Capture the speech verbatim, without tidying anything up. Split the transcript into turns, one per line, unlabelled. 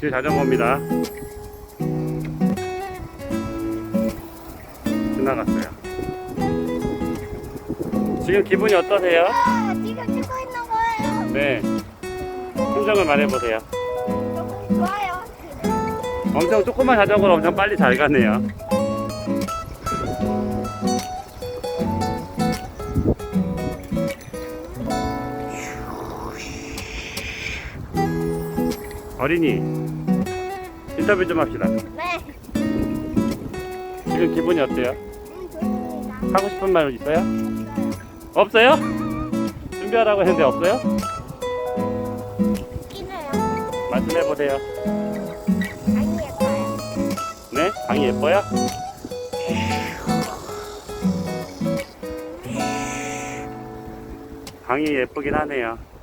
제 자전거입니다. 지나갔어요. 지금 기분이 어떠세요?
아, 지금 찍고 있는 거예요.
네. 심정을 말해보세요.
너무 좋아요.
엄청 조그만 자전거로 엄청 빨리 잘 가네요. 어린이 인터뷰 좀 합시다.
네.
지금 기분이 어때요?
음, 좋습니다.
하고 싶은 말 있어요? 없어요? 준비하라고 했는데 없어요?
끼네요.
말씀해보세요.
아니, 예뻐요.
네? 방이 예뻐요? 방이 예쁘긴 하네요.